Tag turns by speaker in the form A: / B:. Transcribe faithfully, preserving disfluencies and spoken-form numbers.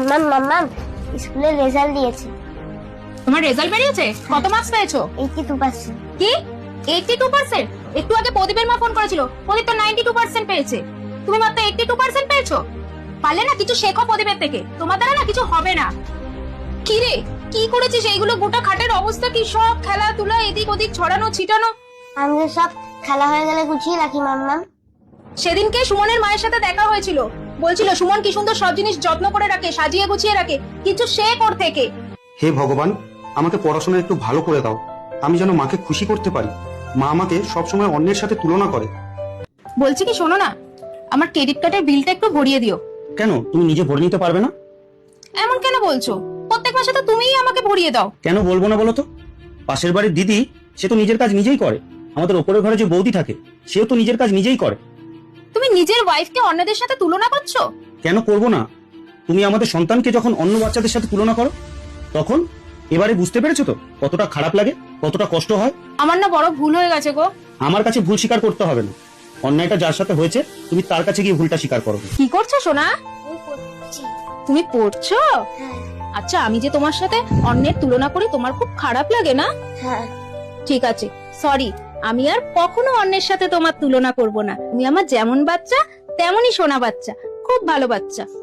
A: মাম্মাম মাম্মাম স্কুলে রেজাল্ট দিয়েছে।
B: তোমার রেজাল্ট বেরিয়েছে? কত মার্কস পেয়েছো?
A: Eighty two percent.
B: কি এইটি টু পার্সেন্ট? একটু আগে প্রদীপের মা ফোন করেছিল, প্রদীপ তো নাইনটি টু পার্সেন্ট পেয়েছে, তুমি মাত্র এইটি টু পার্সেন্ট পেয়েছো। পারলে না কিছু শেখো প্রদীপের থেকে, তোমার দ্বারা না কিছু হবে না। কি রে কি করেছিস? এইগুলো গোটা খাটের অবস্থা কি? সব খেলাধুলা এদিক ওদিক ছড়ানো ছিটানো।
A: আমি তো সব খেলা হয়ে গেলে গুছিয়ে রাখি মাম্মাম।
B: সেদিনকে সুমনের মায়ের সাথে দেখা হয়েছিল, বলছিল সুমন কি সুন্দর সব জিনিস যত্ন করে রাখে, সাজিয়ে গুছিয়ে রাখে, কিছু শেখ ওর থেকে।
C: হে ভগবান, আমাকে পড়াশোনা একটু ভালো করে দাও, আমি যেন মাকে খুশি করতে পারি। মা আমাকে সবসময় অন্যের সাথে তুলনা করে।
B: বলছি কি শোনো না, আমার ক্রেডিট কার্ডের বিলটা একটু ভরিয়ে দিও।
C: কেন, তুমি নিজে ভরে নিতে পারবে না?
B: এমন কেন বলছো? প্রত্যেক মাসে তো তুমিই আমাকে ভরিয়ে দাও।
C: কেন বলবো না বলো তো? পাশের বাড়ির দিদি, সে তো নিজের কাজ নিজেই করে। আমাদের ওপরের ঘরে যে বৌদি থাকে, সেও তো নিজের কাজ নিজেই করে।
B: তুমি নিজের ওয়াইফকে অন্যদের সাথে তুলনা করছো?
C: কেন করবো না? তুমি আমাদের সন্তানকে যখন অন্য বাচ্চাদের সাথে তুলনা করো, তখন এবারে বুঝতে পেরেছো তো কতটা খারাপ লাগে, কতটা কষ্ট হয়।
B: আমার না বড় ভুল হয়ে গেছে গো।
C: আমার কাছে ভুল স্বীকার করতে হবে না, অন্যায়টা যার সাথে হয়েছে তুমি তার কাছে গিয়ে ভুলটা স্বীকার করো।
B: কি করছো সোনা?
A: আমি পড়ছি।
B: তুমি পড়ছো?
A: হ্যাঁ
B: আচ্ছা, আমি যে তোমার সাথে অন্যের তুলনা করি তোমার খুব খারাপ লাগে না?
A: হ্যাঁ।
B: ঠিক আছে, সরি, আমি আর কখনো অন্যের সাথে তোমার তুলনা করব না। তুমি আমার যেমন বাচ্চা তেমনই সোনা বাচ্চা, খুব ভালো বাচ্চা।